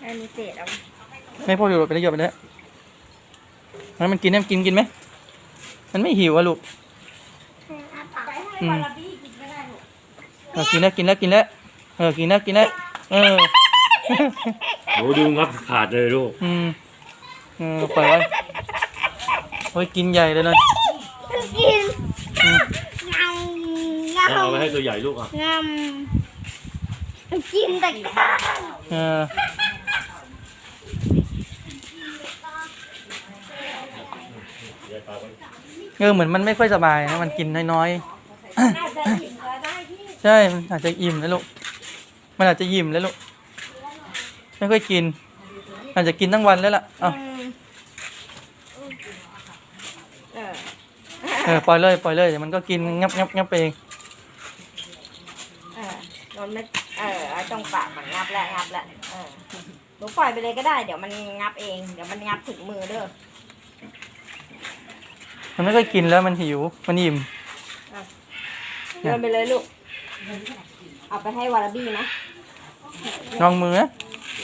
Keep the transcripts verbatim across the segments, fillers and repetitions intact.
อันนี้เศษเอาไม่พออยู่ไปเลยหยดไปเลยงั้นมันกินได้กินกินไหมมันไม่หิวอะลูกไปให้วาลาบี้กินก็ได้ลูกเออกินแล้วกินแล้วกินแล้วเออกินแล้วกินแล้วเออโหดูงับขาดเลยลูกอืมเออปล่อยไว้โอ้ยกินใหญ่เลยนะกินงำงำเอาไปให้ตัวใหญ่ลูกอ่ะงำกินแต่ข้าวเออเออเหมือนมันไม่ค่อยสบายนะมันกินน้อยๆใช่มันอาจจะอิ่มแล้วลูกมันอาจจะอิ่มแล้วลูกไม่ค่อยกินอาจจะกินทั้งวันแล้วล่ะเอ้าเออปล่อยเลยปล่อยเลยเดี๋ยวมันก็กินงับงับงับไปเองเออมันไม่เออตรงปากมันงับแล้วงับแล้วเออหนูปล่อยไปเลยก็ได้เดี๋ยวมันงับเองเดี๋ยวมันงับถึงมือเด้อมันไม่ค่อยกินแล้วมันหิวมันอิ่มเดินไปเลยลูกเอาไปให้วาลาบี้นะลองมือนะ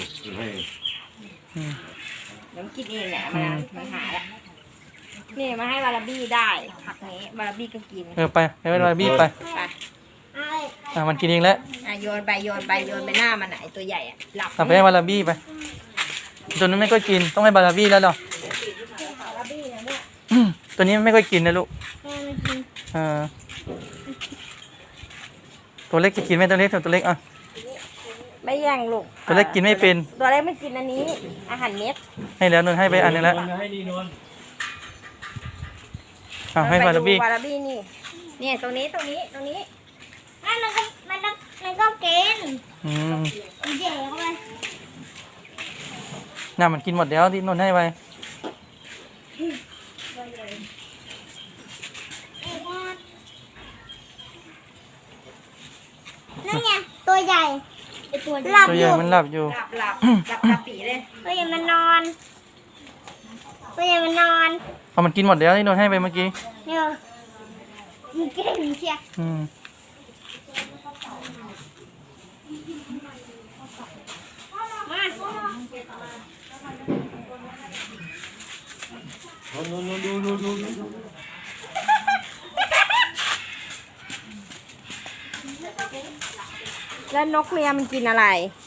เดี๋ยวกินเองเนี่ยมันมันหาแล้วนี่มาให้วาลาบี้ได้ผักนี้วาลาบี้ก็กินเออไปให้วาลาบี้ไปไปอ่ะมันกินเองแล้วอ่ะโยนไปโยนไปโยนไปหน้ามันไหนตัวใหญ่อ่ะหลับเอาไปให้วาลาบี้ไปตัวนั้นไม่ค่อยกินต้องให้วาลาบี้แล้วหรอตัวนี้ไม่ค่อยกินนะลูกเออตัวเล็กจะกินไหมตัวเล็กตัวเล็กอ่ะไม่แย่งลูกตัวเล็กกินไม่เป็นตัวเล็กไม่กินอันนี้อาหารเม็ดให้แล้วนนให้ไปอันนึงแล้วให้นี่นนอ่ะให้วาลาบี้วาลาบี้นี่เนี่ยตรงนี้ตรงนี้ตรงนี้นั่นมันก็มันก็มันก็กินอืมเจ๋งเลยน่ามันกินหมดแล้วที่นนให้ไปนั่นไงตัวใหญ่ตัวหลับอยู่มันหลับอยู่หลับหลับหลับหลับปีเลยตัวใหญ่มันนอนตัวใหญ่มันนอนเอามันกินหมดแล้วที่นนให้ไปเมื่อกี้เนี่ยมันเก่งเชียอืมมาดูดูดูดูดูแล้วนกเมียมันกินอะไร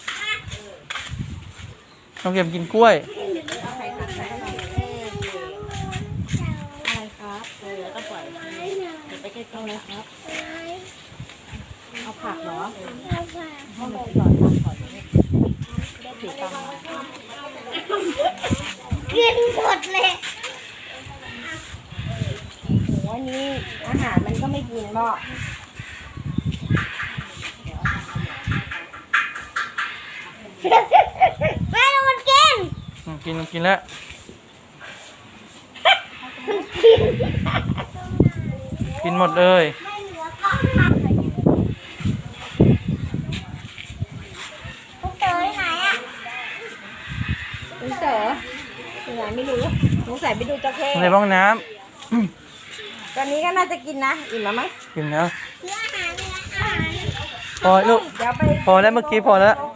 นกเมียกินกล้วยอะไรครับเออแล้วก็ปล่อยไปใกล้ๆเลยครับเอาผักเหรอเอาผักเอาไปก่อนก่อนได้ถือตังค์กินหมดเลยโหอันนี้อาหารมันก็ไม่กินบ่ไม่ต้องมันกินกินกินแล้วกินหมดเลยลูกเต๋อไหนอ่ะลูกเต๋อไหนไม่รู้สงสัยไปดูจระเข้ในห้องน้ำตอนนี้ก็น่าจะกินนะอิ่มแล้วไหมกินแล้วเนื้ออาหารเนื้ออาหารพอลูกพอแล้วเมื่อกี้พอแล้ว